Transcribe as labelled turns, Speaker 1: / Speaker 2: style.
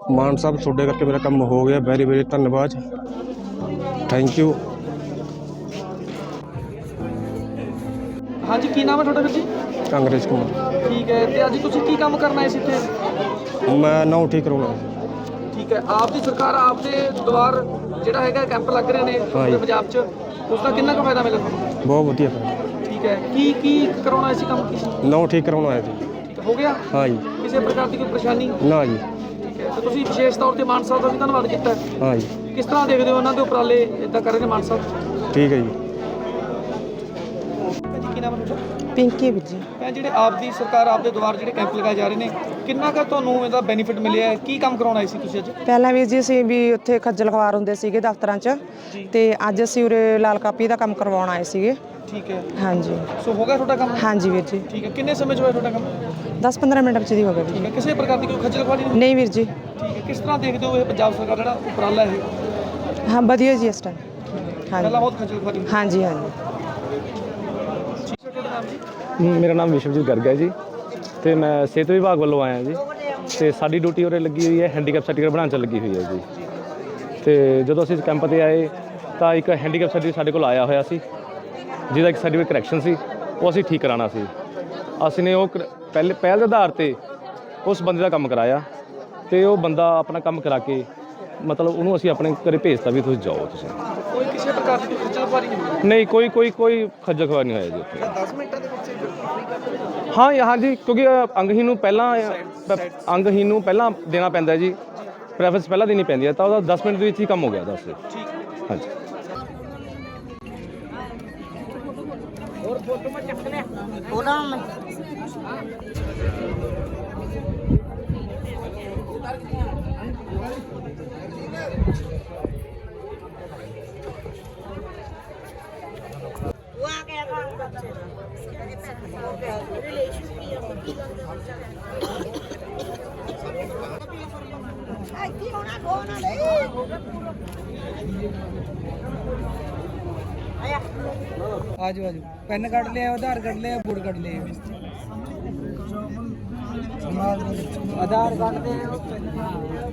Speaker 1: मान साहब छोटे करके मेरा काम हो गया, वेरी वेरी धन्यवाद, थैंक यू।
Speaker 2: हाँ जी, की नाम है थोड़ा जी?
Speaker 1: कांग्रेस कुमार।
Speaker 2: ठीक है, तो अज तुम की काम करना है इतने?
Speaker 1: मैं नौ ठीक करवाना।
Speaker 2: ठीक है, आपकी सरकार आपके द्वार ਜਿਹੜਾ ਹੈਗਾ कैंप लग रहे हैं पूरे पंजाब च, उसका कितना का फायदा मिला ਤੁਹਾਨੂੰ?
Speaker 1: बहुत वधिया फायदा।
Speaker 2: ठीक है, की करवाना इसी काम की?
Speaker 1: नौ ठीक करवाना आया जी।
Speaker 2: ठीक है, हो गया?
Speaker 1: हाँ जी।
Speaker 2: किसी प्रकार की कोई परेशानी?
Speaker 1: ना जी।
Speaker 2: ठीक है, तो ਤੁਸੀਂ ਵਿਸ਼ੇਸ਼ ਤੌਰ ਤੇ ਮਾਨ ਸਾਹਿਬ ਦਾ ਵੀ ਧੰਨਵਾਦ ਕੀਤਾ ਹੈ।
Speaker 1: हाँ जी।
Speaker 2: ਕਿਸ ਤਰ੍ਹਾਂ ਦੇਖਦੇ ਹੋ ਉਹਨਾਂ ਦੇ ਉਪਰਾਲੇ ਇਦਾਂ ਕਰ ਰਹੇ ਨੇ ਮਾਨ ਸਾਹਿਬ?
Speaker 1: ठीक है जी।
Speaker 2: ਜੀ ਕੀ ਨਾਮ ਹੈ ਤੁਹਾਡਾ?
Speaker 3: ਪਿੰਕੀ ਵੀਰ ਜੀ।
Speaker 2: ਮੈਂ ਜਿਹੜੇ ਆਪ ਦੀ ਸਰਕਾਰ ਆਪ ਦੇ ਦੁਆਰ ਜਿਹੜੇ ਕੈਂਪ ਲਗਾਏ ਜਾ ਰਹੇ ਨੇ, ਕਿੰਨਾ ਕੁ ਤੁਹਾਨੂੰ ਇਹਦਾ ਬੈਨੀਫਿਟ ਮਿਲਿਆ ਹੈ? ਕੀ ਕੰਮ ਕਰਾਉਣਾ ਸੀ ਤੁਸੀਂ ਅੱਜ?
Speaker 3: ਪਹਿਲਾਂ ਵੀਰ ਜੀ ਅਸੀਂ ਵੀ ਉੱਥੇ ਖੱਜਲ ਖਵਾਰ ਹੁੰਦੇ ਸੀਗੇ ਦਫ਼ਤਰਾਂ 'ਚ, ਤੇ ਅੱਜ ਅਸੀਂ ਉਰੇ ਲਾਲ ਕਾਪੀ ਦਾ ਕੰਮ ਕਰਵਾਉਣ ਆਏ ਸੀਗੇ।
Speaker 2: ਠੀਕ ਹੈ,
Speaker 3: ਹਾਂਜੀ।
Speaker 2: ਸੋ ਹੋ ਗਿਆ ਤੁਹਾਡਾ ਕੰਮ?
Speaker 3: ਹਾਂਜੀ ਵੀਰ ਜੀ।
Speaker 2: ਠੀਕ ਹੈ, ਕਿੰਨੇ ਸਮੇਂ 'ਚ ਹੋਇਆ ਤੁਹਾਡਾ ਕੰਮ?
Speaker 3: 10-15 ਮਿੰਟ ਵਿੱਚ ਦੀ ਹੋ ਗਿਆ ਵੀਰ
Speaker 2: ਠੀਕ ਹੈ, ਕਿਸੇ ਪ੍ਰਕਾਰ ਦੀ ਕੋਈ ਖੱਜਲ ਖੁਆਰੀ ਨਹੀਂ?
Speaker 3: ਨਹੀਂ ਵੀਰ ਜੀ।
Speaker 2: ਠੀਕ ਹੈ, ਕਿਸ ਤਰ੍ਹਾਂ ਦੇਖਦੇ ਹੋ ਇਹ ਪੰਜਾਬ ਸਰਕਾਰ ਜਿਹੜਾ ਉਪਰਾਲਾ ਇਹ?
Speaker 3: ਹਾਂ ਵਧੀਆ ਜੀ ਇਸ ਟਾਈਮ।
Speaker 2: ਪਹਿਲਾਂ
Speaker 3: ਹਾਂਜੀ
Speaker 2: ਬਹੁਤ ਖੱਜਲ ਖੁਆਰੀ ਹੁੰਦੀ
Speaker 3: ਹਾਂਜੀ ਹਾਂਜੀ।
Speaker 2: ਸੀ। ਤੁਹਾਡਾ ਨਾਮ ਜੀ?
Speaker 4: ਮੇਰਾ ਨਾਮ ਵਿਸ਼ਵਜੀਤ ਗਰਗ ਹੈ ਜੀ, ਤੇ ਮੈਂ ਸਿਹਤ ਵਿਭਾਗ ਵੱਲੋਂ ਆਇਆ ਜੀ, ਤੇ ਸਾਡੀ ਡਿਊਟੀ ਉਰੇ ਲੱਗੀ ਹੋਈ ਹੈ ਹੈਂਡੀਕੈਪ ਸਰਟੀਫਿਕੇਟ ਬਣਾਉਣ 'ਚ ਲੱਗੀ ਹੋਈ ਹੈ ਜੀ। ਤੇ ਜਦੋਂ ਅਸੀਂ ਇਸ ਕੈਂਪ 'ਤੇ ਆਏ ਤਾਂ ਇੱਕ ਹੈਂਡੀਕੈਪ ਸਰਟੀਫਿਕੇਟ ਸਾਡੇ ਕੋਲ ਆਇਆ ਹੋਇਆ ਸੀ, ਜਿਹਦਾ ਇੱਕ ਸਰਟੀਫਿਕੇਟ ਕਰੈਕਸ਼ਨ ਸੀ, ਉਹ ਅਸੀਂ ਠੀਕ ਕਰਾਉਣਾ ਸੀ। ਅਸੀਂ ਨੇ ਉਹ ਪਹਿਲ ਦੇ ਆਧਾਰ 'ਤੇ ਉਸ ਬੰਦੇ ਦਾ ਕੰਮ ਕਰਾਇਆ, ਤੇ ਉਹ ਬੰਦਾ ਆਪਣਾ ਕੰਮ ਕਰਾ ਕੇ ਮਤਲਬ ਉਹਨੂੰ ਅਸੀਂ ਆਪਣੇ ਘਰੇ ਭੇਜਤਾ ਵੀ ਤੁਸੀਂ ਜਾਓ। ਤੁਸੀਂ
Speaker 2: ਕੋਈ ਕਿਸੇ ਪ੍ਰਕਾਰ ਦੀ ਕੋਈ ਖੱਜਲ ਖੁਆਰੀ ਨਹੀਂ ਹੋਈ?
Speaker 4: ਨਹੀਂ, ਕੋਈ ਖੱਜਲ ਖੁਆਰ ਨਹੀਂ ਹੋਇਆ ਜੀ ਉੱਥੇ।
Speaker 2: 10 ਮਿੰਟਾਂ ਦੇ ਵਿੱਚ
Speaker 4: ਹਾਂ ਜੀ, ਕਿਉਂਕਿ ਅੰਗਹੀਨ ਨੂੰ ਪਹਿਲਾਂ ਦੇਣਾ ਪੈਂਦਾ ਜੀ, ਪ੍ਰੈਫਰੈਂਸ ਪਹਿਲਾਂ ਦੇਣੀ ਪੈਂਦੀ ਹੈ, ਤਾਂ ਉਹਦਾ 10 ਮਿੰਟ ਦੇ ਵਿੱਚ ਹੀ ਕੰਮ ਹੋ ਗਿਆ। 10
Speaker 2: ਠੀਕ।
Speaker 4: ਹਾਂਜੀ।
Speaker 5: और फोटो में चक ले थोड़ा में वो आ गया काम करते रिलेशन की आई थी होना कोना ले
Speaker 2: ਆਜੋ ਆਜੋ, ਪੈਨ ਕੱਢ ਲਿਆ, ਆਧਾਰ ਕੱਢ ਲਿਆ, ਬੋਰਡ ਕੱਢ ਲਿਆ, ਆਧਾਰ ਕੱਢ ਦੇ।